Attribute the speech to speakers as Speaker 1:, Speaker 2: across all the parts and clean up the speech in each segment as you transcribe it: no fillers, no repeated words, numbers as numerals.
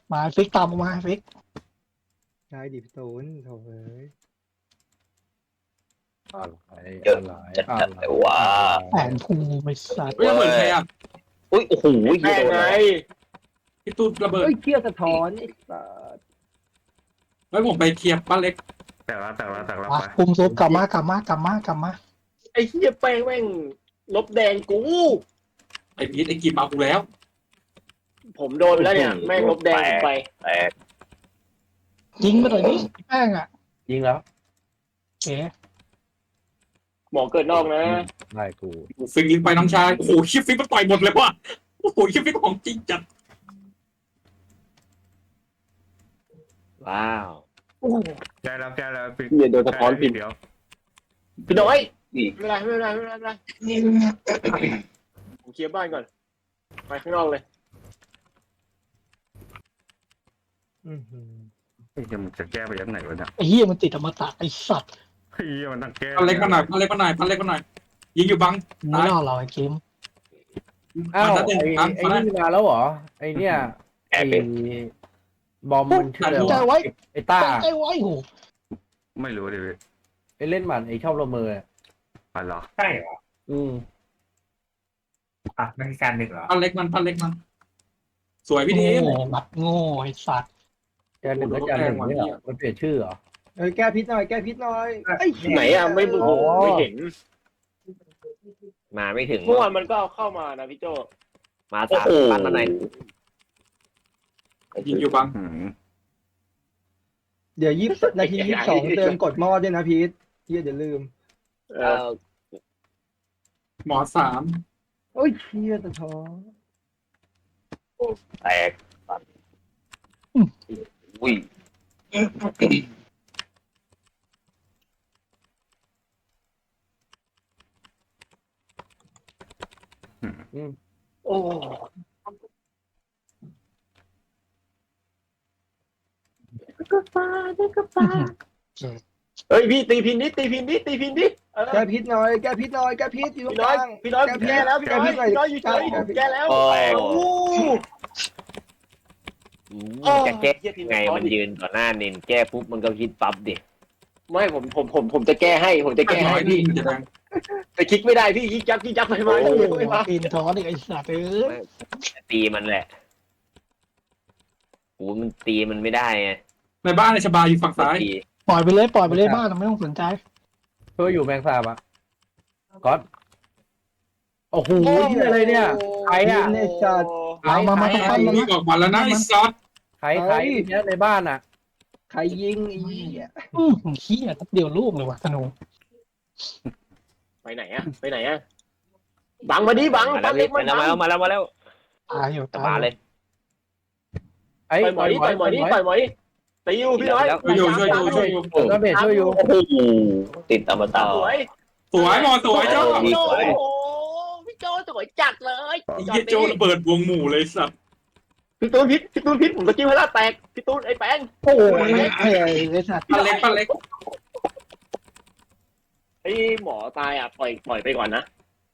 Speaker 1: มาฟิกตามมาฟิก
Speaker 2: ใช่ดิพี่ตูนโถ่เอ้ย
Speaker 3: เยอะจัดแต่ว่า
Speaker 1: แผนภูไม่สัตว์
Speaker 4: เฮ้ยระเบิดใครอ่ะ
Speaker 3: อุ้ยโอ้โห
Speaker 4: แม่งไง
Speaker 3: เลย
Speaker 4: พี่ตูนระเบิด
Speaker 2: เฮ้ยเกียร์สะท้อนไอ้สัส
Speaker 4: ไว้ผมไปเคลียร์บ้านเล็ก
Speaker 5: แต่ละ
Speaker 1: มาคุมซุปกลับมากลับมา
Speaker 6: ไอ้เหี้ยแป้งแม่งลบแดงกู
Speaker 4: ไอ้พีทไอ้กีบมากูแล้ว
Speaker 6: ผมโดนไปแล้วเนี่ยแม่งลบแดงผมไป
Speaker 3: แตก
Speaker 1: ยิงมาหน่อยดิแป้งอ่ะ
Speaker 2: ยิงแล้ว
Speaker 1: โอเค
Speaker 6: หมอเกิดนอกนะ
Speaker 2: ได้กู
Speaker 4: ฟิกยิงไปน้องชายโอ้โหคิดฟิกมันต่อยหมดเลยว่ะโอ้โหคิดฟิกของจริงจัด
Speaker 3: ว้าว
Speaker 5: แก้แล้วปิด
Speaker 6: เหี้ยโดนสะท้อนพิน
Speaker 5: เดี๋ยว
Speaker 6: พี่น้อย
Speaker 3: นี่
Speaker 6: ไม่เป็นไรผมเคลียร์บ้านก่อนไปข้างนอกเลย
Speaker 5: มันจะแก้ไปยังไงวะเนี่ย
Speaker 1: ไอ้เหี้ยมันติดอมตะไอ้สัตว์
Speaker 5: เฮ้ยมันต้องแก้
Speaker 4: บ้านเล็กมาหน่อยบ้านเล็กมาหน่อยบ้านเล็กมาหน่อยยิงอยู่บัง
Speaker 1: ไม่รอดเราไอ้เกม
Speaker 7: อ้าว
Speaker 4: มา
Speaker 7: ไอ้
Speaker 4: หนึ่ง
Speaker 7: ไอ้นี่มาแล้วเหรอไอ้เนี่ย
Speaker 3: แอ
Speaker 7: ไอ้
Speaker 3: บเป็น
Speaker 7: บอมมันชื่ออะไร
Speaker 1: ใจ
Speaker 7: วะ
Speaker 1: ไว้
Speaker 7: ไอ้ต้า
Speaker 1: ใจไว้โห
Speaker 5: ไม่รู้ดิ
Speaker 7: ไอ้เล่นหมันไอ้ชอบละเมออะ
Speaker 5: อ๋อเหรอ
Speaker 8: ใช่เหรอ
Speaker 7: อืม
Speaker 8: อ่ะไม่ใช่การหนึ่งเหรอ
Speaker 4: บ้านเล็กมันสวยพี่เท
Speaker 1: โง่
Speaker 4: ม
Speaker 1: บัดโง่ไอ้สัตว์
Speaker 7: จานหนึ่งก็จานหนึ่งไม่เหรอมันเปลี่ยนชื่อเหรอ
Speaker 2: เอ้ยแก้พิษหน่อยแก้พิษหน่อยไอ้เหี้ย
Speaker 6: ไหนอ่ะไม่ไม่เห็น
Speaker 3: มาไม่ถึง
Speaker 6: เมื่อวานมันก็เอาเข้ามานะพี่โจ
Speaker 3: มาสามปันมาไหน
Speaker 4: ยิงอยู่บัง
Speaker 2: เดี๋ยวนาที22เติมกดหม้อด้วยนะพีทเฮียเดี๋ยวลืม
Speaker 6: เออ
Speaker 4: หมอสาม
Speaker 2: โอ้ยเฮียสะท้อน
Speaker 3: แตกอุ้ย
Speaker 6: โอ้เฮ้ยพี่ตีพินดิตีพินดิ
Speaker 2: แก้พิษหน่อยแก้พิษหน่อยแก้พิษอยู่ตรง
Speaker 6: พี่
Speaker 2: ก
Speaker 6: น้อย
Speaker 2: ลาง
Speaker 6: พี่น้อยแก้แล้วพี่น้อยอยู่เฉยแก้แล้ว
Speaker 3: โอ้
Speaker 6: โอ้
Speaker 3: จะแก้ไงมันยืนต่อหน้านินแก้ปุ๊บมันก็คิดปั๊บดิ
Speaker 6: ไม่ผมจะแก้ให้ผมจะแก้
Speaker 4: น้อ
Speaker 6: ให้
Speaker 4: ย
Speaker 6: พี่
Speaker 4: จะแดง
Speaker 6: แต่คลิกไม่ได้พี่คลิกยักไปมา
Speaker 1: โอ้โห
Speaker 6: ไม่มา
Speaker 1: ปีนท้อนอีกไอ้สัตว์เอ้ย
Speaker 3: ตีมันแหละโอ้มันตีมันไม่ได้ไง
Speaker 4: ในบ้านในชบาอยู่ฝั่งซ้าย
Speaker 3: ตี
Speaker 1: ปล่อยไปเลยบ้านไม่ต้องสนใจ
Speaker 7: ช่วยอยู่แมงสาบอ่ะก๊อตโอ้โหนี่อะไรเนี่ยใครอ่ะ
Speaker 2: ในจัด
Speaker 1: มา
Speaker 4: วิ่งออกมาแล้วนะไอ้ซอส
Speaker 7: ใครเนี่ยในบ้านอ่ะ
Speaker 2: ใครยิงไอ้เหี้ย
Speaker 1: เหี้ยทับเดียวลูกเลยว่ะธนู
Speaker 6: ไปไหนอะบังมาดิบัง
Speaker 3: มาแล้วมาแล้ว
Speaker 1: ตายอยู่
Speaker 3: ตาเลย
Speaker 7: ไอ้
Speaker 6: ต่อยหมอยดิตีอยู่พี่น้อย
Speaker 4: ช่วยอยู่
Speaker 7: ก็เบสช่วยอยู่
Speaker 3: โอ้โหติดอมตะ
Speaker 6: สวย
Speaker 4: สวยหมอสวยเจ้า
Speaker 6: พี่โจพี่โจสวยจัดเลย
Speaker 4: ไอ้เหี้ยโจระเบิดวงหมู่เลยสัตว์
Speaker 6: พี่ตูนพิษผมตะกี้เวลาแตกพี่ตูนไอ้แป้ง
Speaker 1: โอ้ยไอ้สัตว์
Speaker 4: บ้านเล็ก
Speaker 6: ไอ้หมอตายอ่ะปล่อยไปก่อนนะ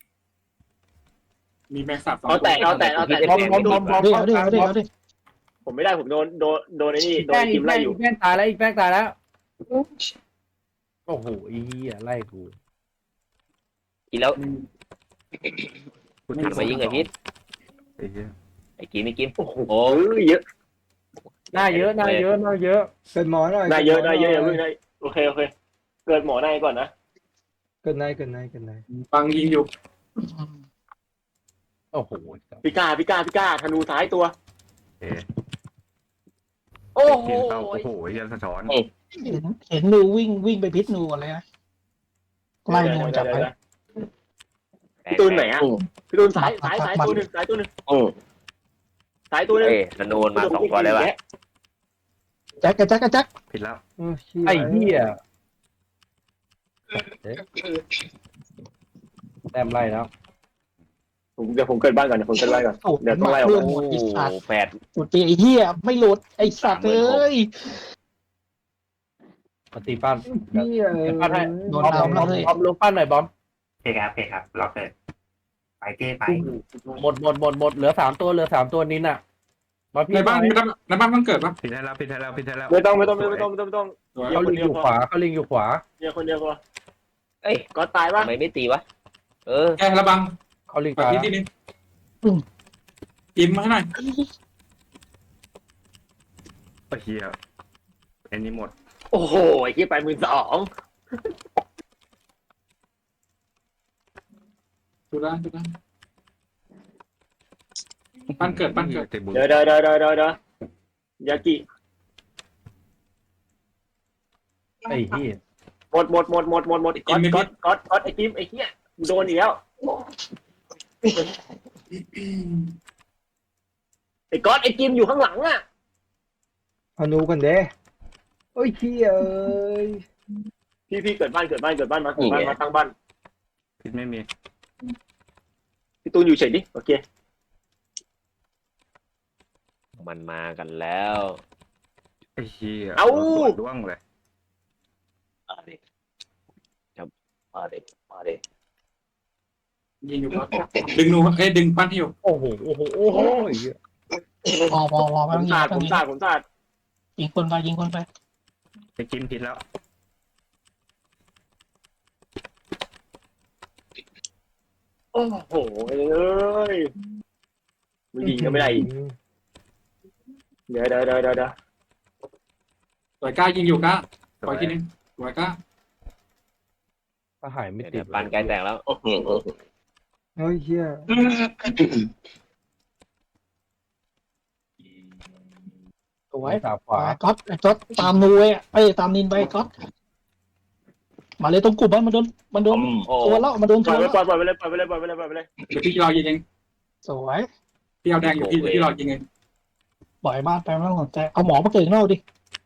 Speaker 4: มีแม็กซับ
Speaker 6: เอาแตก
Speaker 7: บอม
Speaker 1: เดี๋ยวดิ
Speaker 6: ผมไม่ได้ผมโดนไอ้นี่โดนทีมไล่อยู่
Speaker 7: แป้งตายแล้วอีกแป้งตายแล้วโอ้โหอีไล่กู
Speaker 3: กินแล้วหันมายิงไอ้พิษ
Speaker 5: ไอ้เหี้ย
Speaker 3: ไอ้กินไม่กิน
Speaker 6: โอ้โห
Speaker 3: โอ้
Speaker 6: เยอะ
Speaker 7: หน้าเยอะ
Speaker 2: เกิดหมอหน่อย
Speaker 6: ได้เยอะอย่าเพิ่งได้โอเคเกิดหมอในก่อนนะ
Speaker 2: เกิดใน
Speaker 4: บังยิงอยู่
Speaker 7: โอ้โห
Speaker 6: พิก้าธนูซ้ายตัว
Speaker 5: เอ๊ะ
Speaker 6: โอ้โห
Speaker 5: กินเป้าโอ้โหยันสะท้อน
Speaker 1: เห็นนูวิ่งไปพิษนูก่อนเลยนะไล่นูจับไป
Speaker 6: พี่ตูนไหนอ่ะพี่ตูนซ้ายตัวหนึ่งซ้ายตัวหนึ่ง
Speaker 3: โอ้
Speaker 6: ซ้ายตัวหนึ่ง
Speaker 3: เอ้ธนูมา2ตัวเลยว่ะ
Speaker 1: แจ็ค
Speaker 5: ผิดแล้ว
Speaker 7: ไอ้เหี้ยแต้มไล่แล้ว
Speaker 6: เดี๋ยวผมเกิดบ้านก่อน
Speaker 1: โอ้
Speaker 6: เดี๋ยวต้องไล่ออก
Speaker 1: เพื่อน
Speaker 6: มา
Speaker 1: หมดไอ้สัตว์
Speaker 3: แปด
Speaker 1: หมดปีไอ้เหี้ยไม่หลุดไอ้สัตว์เอ้ย
Speaker 7: ปฏิปั้น
Speaker 2: เฮีย
Speaker 7: ปั้นให้
Speaker 1: โดน
Speaker 7: บอม
Speaker 1: น้ำแล้วเลย
Speaker 7: ลงปั้นหน่อยบอม
Speaker 8: โอเคครับล็อกเลยไปเก้ไป
Speaker 7: หมดเหลือ3ตัวนินอ่ะมาพี่
Speaker 4: ในบ้าน
Speaker 7: หอย
Speaker 4: ในบ้านมันเกิดปะ
Speaker 5: ผิดให้แล้วผิดให้แล้วผิดให้แล้ว
Speaker 6: ไม่ต้อง
Speaker 4: สวย
Speaker 7: เขาลิงอยู่ขวาเขาลิงอยู่ขวา
Speaker 6: เนี่ยคนเดียวพอ
Speaker 3: เอ้ย
Speaker 6: ก็ตายปะ
Speaker 3: ทำไมไม่ตีวะเออ
Speaker 4: แกระบัง
Speaker 7: เขาลิง
Speaker 4: แบบ
Speaker 7: ตาย
Speaker 4: นี้ทีนึงกินมาให้หน่อย
Speaker 5: ไอ้เหี้ยไอ้นี่หมด
Speaker 6: โอ้โหไอ้ที่ไป12,000
Speaker 4: ดูได้บ้านเกิด
Speaker 5: เตะบุญ
Speaker 6: เดี๋ยวยากิ
Speaker 7: ไอ้ที่
Speaker 6: หมดก๊อตไอ้กิมไอ้เหี้ยโดนอีกแล้วไอ้ก๊อตไอ้กิมอยู่ข้างหลังอ่ะ
Speaker 2: เอานูกันเด้โอ้ยเฮียเอ้ย
Speaker 6: พี่เกิดบ้านมาตั้งบ้าน
Speaker 5: ผิดไม่มี
Speaker 6: พี่ตูนอยู่เฉยดิโอเค
Speaker 3: มันมากันแล้ว
Speaker 5: ไอ้เหี้ย
Speaker 6: เอ้า
Speaker 5: ด้วงเลย
Speaker 3: มาดิครับมาดิ
Speaker 4: ยิงอยู่ครับดึงหนูดึงปั้นที่อยู่
Speaker 7: โอ้โหไอ้เหี้ย
Speaker 1: พอไม่
Speaker 6: ผ
Speaker 1: ต้อ
Speaker 6: ม
Speaker 1: งยิ
Speaker 6: สาง ด
Speaker 1: ไม่ต้องยิง
Speaker 6: ผมสาด
Speaker 1: ยิงคนไปยิงคนไป
Speaker 5: ไอ้กิมผิดแล้ว
Speaker 6: โอ้โหเอ้ยมันยิงก็ไม่ได้อีกเดี๋ยว
Speaker 4: สวยกล้ายิงอยู่กล้า
Speaker 5: ส
Speaker 4: ปล่
Speaker 5: ว
Speaker 4: อย
Speaker 5: ย
Speaker 4: ทีนึงสวยกล้า
Speaker 7: ถ้าหายไม่ติ
Speaker 3: เดี๋
Speaker 7: ด
Speaker 3: ยวปานใกล้แตกแล้ว
Speaker 2: โอ้ยเฮีย
Speaker 1: สวย
Speaker 7: สาขวา
Speaker 1: ก๊อตไอ้ก๊อตตามนูไอ้ตามนินไปก๊อตมาเลยตรงกลุ่มมันโดน
Speaker 3: โอ้
Speaker 1: ตัวแล้วมันโดน
Speaker 6: ป
Speaker 1: ตั
Speaker 6: ล่อ
Speaker 1: วย แล้ว
Speaker 6: ไปเลย
Speaker 4: เดี๋ยวพี่รอยิงเอง
Speaker 1: สวย
Speaker 4: พี่เอาแดงอยู่พี่รอยิงเอง
Speaker 1: ปล่อยบ้านไปไม่ต้องสนใจเอาหมอมาเกิดข้างนอกดิ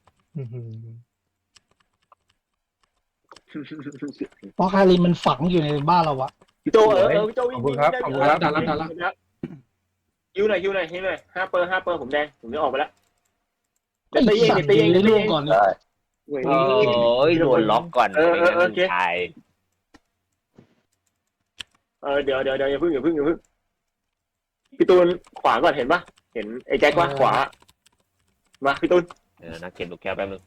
Speaker 1: เพราะคารินมันฝังอยู่ในบ้านเราอะ
Speaker 6: พี่โจพี่โจวิ่ง
Speaker 4: ดันแล้ว
Speaker 6: ฮิวหน่อย5 เปอร์ผมแดงผมจะออกไปแล้ว
Speaker 1: ไอ้สัตว์ยิงเรื่องก่อนเลย
Speaker 3: โอ้ยโดนล็อกก่อนไม่งั้นมันตาย
Speaker 6: เดี๋ยวอย่าพึ่งพี่ตูนขวาก่อนเห็นปะเห็นไอ้แจ็คว่าขวามาพี่ตูน
Speaker 3: นักเก็บลูกแก้วแป๊บนึง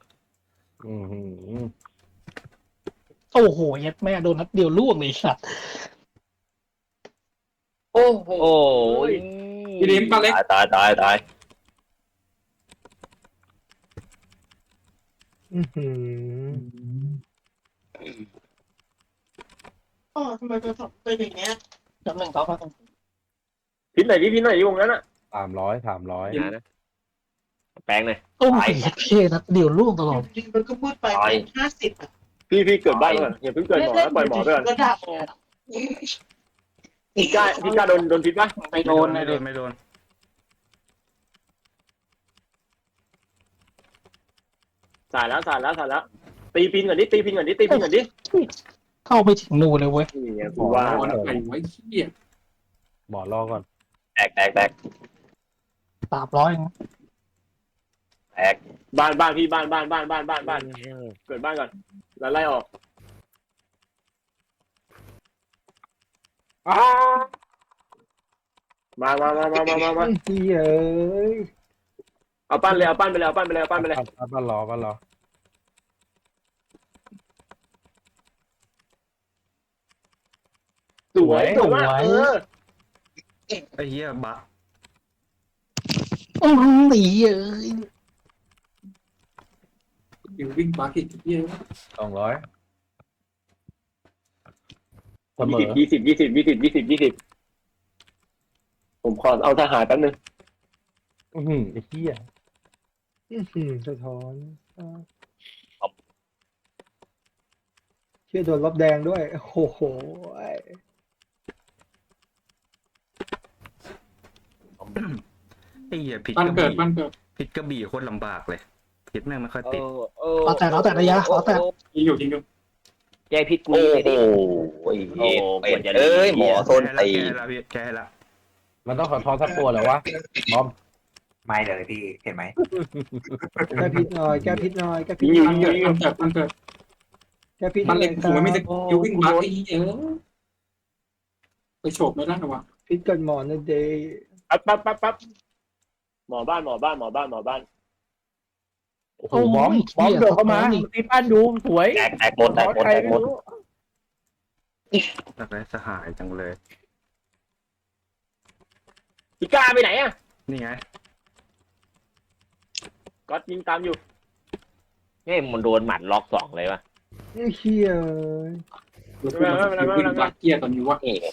Speaker 1: โอ้โหยัดแม่โดนนัดเดียวล่วงเลยสัตว์
Speaker 6: โอ้โห
Speaker 3: โอ้ย
Speaker 4: พี่ลิ้มปลาเล็ก
Speaker 3: ตาย
Speaker 1: อ๋อทำไมเป็นอย่างเงี้ยจำหนึ่งต่อไป
Speaker 6: พินไหนดิวงนั้นอ่ะ
Speaker 7: 300
Speaker 3: นะแป้งหน่อย
Speaker 1: โอ้ยเท่นัดเดียวล่วงตลอด
Speaker 9: มันก็พูดไป50
Speaker 6: พี่เกิดบ้านก่อนอย่าเพิ่งเกิดหมอแล้วปล่อยหมอไปก่อน
Speaker 9: ก็ได้
Speaker 6: พี่กล้าโดนพิษปะ
Speaker 1: ไปโดน
Speaker 5: ไม่
Speaker 1: เลย
Speaker 5: โดนไม่โดน
Speaker 6: สายแล้วตีพินก่อนดิ
Speaker 1: เข้าไปถึงนูเลยเว้ย
Speaker 6: นี่ไงกูว่า
Speaker 4: ไว้เหี้ย
Speaker 7: หมอรอก่อน
Speaker 3: แตก
Speaker 1: 300
Speaker 6: บ้านพี่บ้านเกิดบ้านก่อนแล้วไล่ออกมา
Speaker 2: เฮียเอ้ย
Speaker 6: เอาปั้นไปเลย
Speaker 7: บ้านรอ
Speaker 6: สวยมาก
Speaker 5: ไอ้เหี้ยบะ
Speaker 1: โอ้ยเอ้ย
Speaker 4: อยู่วิ่งปลากิดเหี้ย
Speaker 7: 200เสมอ
Speaker 6: 20ผมขอเอาทหารแป๊บนึง
Speaker 7: ไอ้เหี้ย
Speaker 2: สะท้อนเชี่ยโดนลบแดงด้วยโอ้โห
Speaker 5: ไอ้เหี้ยผิด
Speaker 4: บ้าน
Speaker 5: กระ
Speaker 4: เกิด
Speaker 5: บี่ผิดกระบี่โคตรลำบากเลยผิดแม่งไม่ค่อยติด
Speaker 1: เอาแต่ระยะเอาแต่
Speaker 4: ยิงอยู่
Speaker 3: แก้พิษกูเลยดิโอ้ยเอ้ยหมอโซนตี
Speaker 5: แก้ให้ละ
Speaker 7: มันต้องขอทอสักตัวเหรอวะบอม
Speaker 8: ไม่เลยพี่เห็นไหม
Speaker 2: แก้พิษหน่อยแก้พิษหน่อยแก้พิษ
Speaker 6: ยิง
Speaker 2: หน่อย
Speaker 4: บ้านเกิด
Speaker 2: แก้พิษห
Speaker 4: บ้า
Speaker 2: น่
Speaker 4: น
Speaker 2: อย
Speaker 4: เล็กผมไม่มีสกิลวิ่งปลาไอ้เหี้ยไปโฉบไม่ได้หรอวะ
Speaker 2: พิษเกิดหมอนนะเดย์
Speaker 6: ปั๊บหมอบ้านหมอบ้านหมอบ้านหมอบ้าน
Speaker 7: โอ้โหบอมโดดเข้ามาตีปั้นดูสวย
Speaker 3: แตกหมดแตกหมด
Speaker 7: ใคร
Speaker 3: แตก
Speaker 7: ไม่
Speaker 3: หมด
Speaker 7: รู้
Speaker 5: อยากได้สหายจังเลย
Speaker 6: พี่ก้าไปไหนอ่ะ
Speaker 5: นี่ไง
Speaker 6: ก๊อตยิงตามอยู่
Speaker 3: เฮ้ยมันโดนหมัดล็อก2เลยวะ
Speaker 2: ไอ้เหี้ย
Speaker 4: วิ่งวัดเกียร์ตอนนี้ว่า
Speaker 3: เอ๊ะ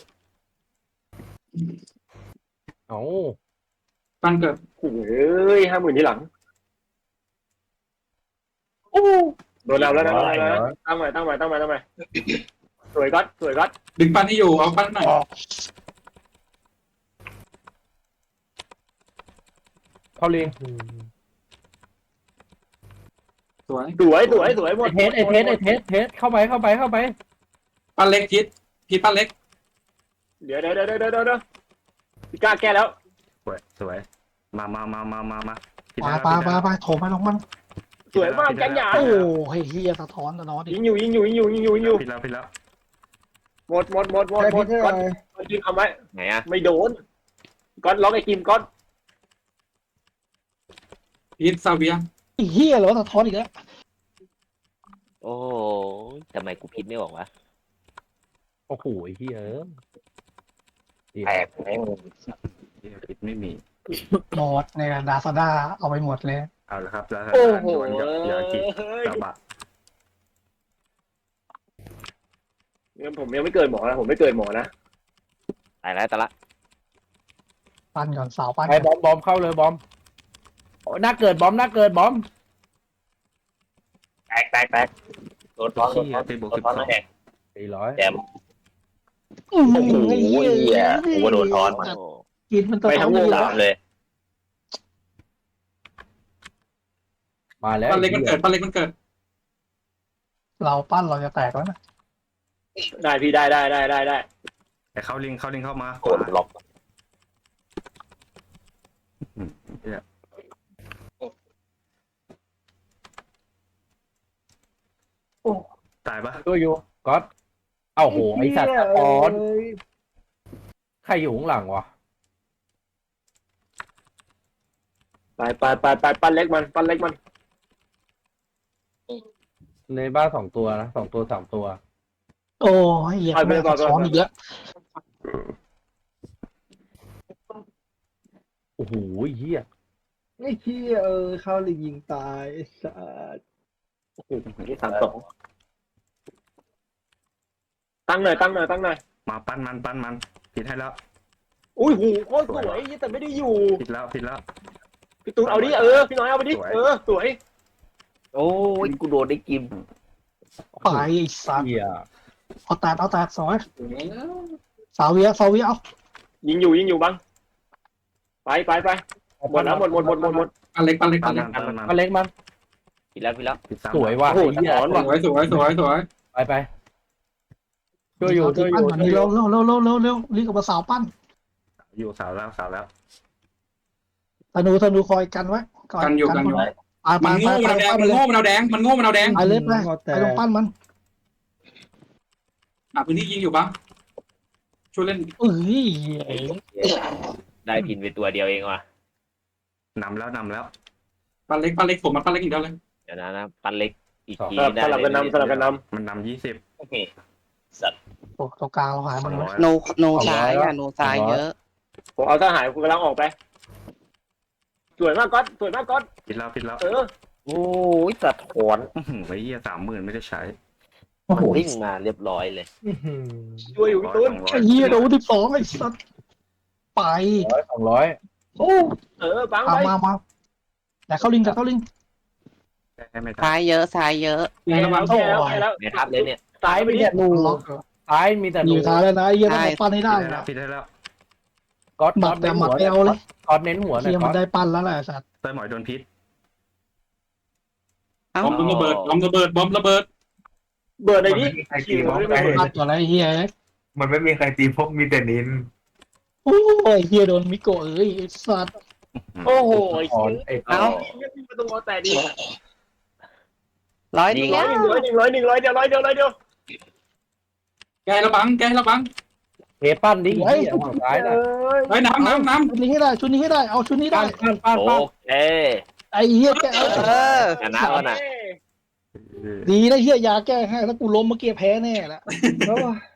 Speaker 7: เอ้า
Speaker 4: ตั้งเกิด
Speaker 6: โอ้ย50,000ที่หลังโดนแล้วแล้วนะตั้งใหม่ตั้งใหม่ตั้งใหม่ตั้งใหม่สวยก๊อตสวยก๊อต
Speaker 4: ดึงปั้นให้อยู่เอาปั้นหน่อย
Speaker 7: เข้าลิง
Speaker 4: สวย
Speaker 6: สวยสวยสวยหมด
Speaker 7: ไอเทสเข้าไป
Speaker 4: ปั้นเล็กพิษปั้นเล็ก
Speaker 6: เดี๋ยวพี่ก้าแก้แล้ว
Speaker 5: สวยมาผิด
Speaker 1: ปา
Speaker 5: แล้ว
Speaker 1: ปา
Speaker 5: ผิด
Speaker 1: ปา
Speaker 5: แล้ว
Speaker 1: ปาโถมไปลงมัน
Speaker 6: สวยมากแกงหยา
Speaker 1: โอ้เฮียสะท้อนสะท้อนดิ
Speaker 6: ยิงอยู่
Speaker 5: ผิดแล้ว
Speaker 6: หมด
Speaker 2: ใครพิษให้
Speaker 6: ก๊อต
Speaker 2: อะไร
Speaker 6: ยิงทำไว้
Speaker 3: ไหนอ่ะ
Speaker 6: ไม่โดนก๊อตล็อกไอ้กิมก๊อต
Speaker 4: พิษซาเวีย
Speaker 1: เฮียเหรอสะท้อนอีกแล้ว
Speaker 3: โอ้ยทำไมกูพิษไม่บอกวะ
Speaker 7: โอ้โหไอ้เหี้ย
Speaker 3: แตกแม่ง
Speaker 5: ผิดไม่มี
Speaker 1: หมดในดาซาด้าเอาไปหมดเลย
Speaker 5: เอาละครับแล้ว
Speaker 6: โอ้โห
Speaker 5: โดนยากิกระบะ
Speaker 6: ผมยังไม่เกิดหมอนะผมไม่เกิดหมอนะ
Speaker 3: ตายแล้วตายละ
Speaker 1: ปั้นก่อนสาวปั้น
Speaker 7: ไอ้บอมเข้าเลยบอมหน้าเกิดบอม
Speaker 3: แตกโดนท้อน
Speaker 5: ที่ตีบวก
Speaker 3: โดนท้อนแล้วแหก
Speaker 7: 400
Speaker 3: แจม
Speaker 1: โอ้โห
Speaker 3: โอ้โหเหี้ยกูว่าโดนท้อนมา
Speaker 1: กินมันสะ
Speaker 6: ไป
Speaker 1: ท้อ
Speaker 6: ทั้
Speaker 1: น
Speaker 6: งวง
Speaker 1: ดี
Speaker 3: สามเลย
Speaker 7: มาแล้ว
Speaker 4: ปั้นเล็กมันเกิดปั้นเล็กมันเกิด
Speaker 1: เราปั้นเราจะแตกแล้วนะ
Speaker 6: ได้พี่ได้
Speaker 5: แต่เข้าลิงเข้ามา
Speaker 3: โดนล็อก
Speaker 5: ตายปะ
Speaker 7: ตัวอยู่ก๊อตเอ้าโหไอ้สัตว์สะท้อนใครอยู่ข้างหลังวะ
Speaker 6: ไปปั้นเล็กมัน
Speaker 7: ในบ้าน2 ตัวนะ2 ตัว 3 ตัว
Speaker 1: โอ้ยเฮียแม่งสะท้อนอีกแล้ว
Speaker 7: โอ้โหเหี้ย
Speaker 2: ไอ้เหี้ยเข้าเลยยิงตายไอ้สัส
Speaker 6: นี่32ตั้งหน่อย
Speaker 5: มาปั้นมันผิดให้แล้ว
Speaker 6: อุ้ยหูโคตรสวยแต่ไม่ได้อยู่
Speaker 5: ผิดแล้ว
Speaker 6: พี่ตูนเอาดิพี่น้อยเอาไปดิสวย
Speaker 3: โอ้ยกูโดนได้กิม
Speaker 1: ไปไอ้สัตว์
Speaker 7: เหี้ย
Speaker 1: เอาแตกสวยสาวเวียเอา
Speaker 6: ยิงอยู่บังไปหมดแล้วหมด
Speaker 4: ปั้นเล็ก
Speaker 5: ปั้นมัน
Speaker 7: มาเล็กมัน
Speaker 3: ผิดแล้ว
Speaker 5: ผิดซ้ำ
Speaker 7: สวยว่ะ
Speaker 6: โอ้โห
Speaker 7: ไอ้เหี้ย
Speaker 6: ถอนว่ะ
Speaker 4: สวย
Speaker 7: ไปช่วยอยู่
Speaker 1: ปั้นก่อนนี่เร็วรีบกับมาสาวปั้น
Speaker 5: อยู่สาวแล้ว
Speaker 1: ธนูคอยกันไว้
Speaker 4: กันอยู่
Speaker 1: ไป
Speaker 4: มันโง่มันเอาแดงมันโง่มันเอาแดง
Speaker 1: ไปเลยไป
Speaker 2: แต่
Speaker 1: ลงปั้นมัน
Speaker 4: พื้นที่ยิงอยู่ปะช่วยเล่น
Speaker 1: เอ้ย
Speaker 3: ได้พินไปตัวเดียวเองว่ะ
Speaker 5: นำแล้ว
Speaker 4: ปั้นเล็กผมมันปั้นเล็กอีกแล้วเลย
Speaker 3: เดี๋ยวนะปั้นเล็กอีกที
Speaker 6: สลับกันนำ
Speaker 5: มันนำ20
Speaker 3: โอเคสัตว์
Speaker 1: โอ้ตรงกลางเราหายหมดเลย
Speaker 9: โนซ้ายอ่ะโนซ้ายเยอะ
Speaker 6: ผมเอาทหารกูกำลังออกไปสวยมากก๊อต
Speaker 5: ผิดแล้ว
Speaker 3: โอ้ยสะท้อน
Speaker 5: ไอ้เหี้ย30,000ไม่ได้ใช้
Speaker 1: โอ้โห
Speaker 3: วิ่งมาเรียบร้อยเลย
Speaker 6: ช่วยอยู่พี่ตูน
Speaker 1: ไอ้เหี้ยโดน12ไอ้สัตว์ไป
Speaker 7: 200
Speaker 1: โอ้
Speaker 6: บังไป
Speaker 1: มาแต่เข้าลิง
Speaker 5: ไม่ได้
Speaker 9: ซ้ายเยอะซ้ายเยอะ
Speaker 6: แก้แล้ว
Speaker 3: ในทับเลยเนี่ย
Speaker 6: ตายไป
Speaker 7: มี
Speaker 6: ดิ
Speaker 7: แต่หนูซ้ายมีแต่ห
Speaker 1: อ
Speaker 7: นู
Speaker 1: ยู่ท้ายแล้วนะไอ้เหี้ยต้องมาปั้นให้ได้นะ
Speaker 5: ผิดได้แล้ว
Speaker 7: ก๊อต
Speaker 1: หมัดแต่หมัดไม่เอาเลย
Speaker 7: ก๊อตเน้นหัวหน่อ
Speaker 1: เหี้
Speaker 7: ย
Speaker 1: ย
Speaker 7: ก๊
Speaker 1: มั
Speaker 7: อน ต
Speaker 1: ได้ปั้นแล้วแหละสัตว์
Speaker 5: เต้ยหมอยโดนพิษ
Speaker 9: เอ้า
Speaker 4: บอมระเบิดบอมระเบิด
Speaker 6: เบิร์ดไหนดิ
Speaker 8: ใครตีพวก
Speaker 1: ปั้นก่อนแล้วไอ้เหี้ย
Speaker 8: มันไม่มีใครตีพวกมีแต่นิน
Speaker 1: โอ้ยเหี้ยโดนมิโกะเอ้ยไอ้สัตว์
Speaker 6: โอ้โห
Speaker 7: ไอ้
Speaker 6: เอ้าไม่ต้องรอแต่ดิ
Speaker 9: ร้อยเดียว
Speaker 6: 100เดียว
Speaker 4: แกระบัง
Speaker 7: เทปั้นดิเหี้ยฝั่งซ้ายน่ะ
Speaker 4: ไอ้ยน้ำ
Speaker 1: ชุดนี้ให้ได้ชุดนี้ให้ได้เอาชุดนี้ได้
Speaker 7: ปั้น
Speaker 3: โอเค
Speaker 1: ไอ้เหี้ยแก
Speaker 3: ชนะแล้วนะ
Speaker 1: ดีนะเหี้ยยาแก้ให้แล้วกูล้มเมื่อกี้แพ้แน่ละ
Speaker 2: แล้ว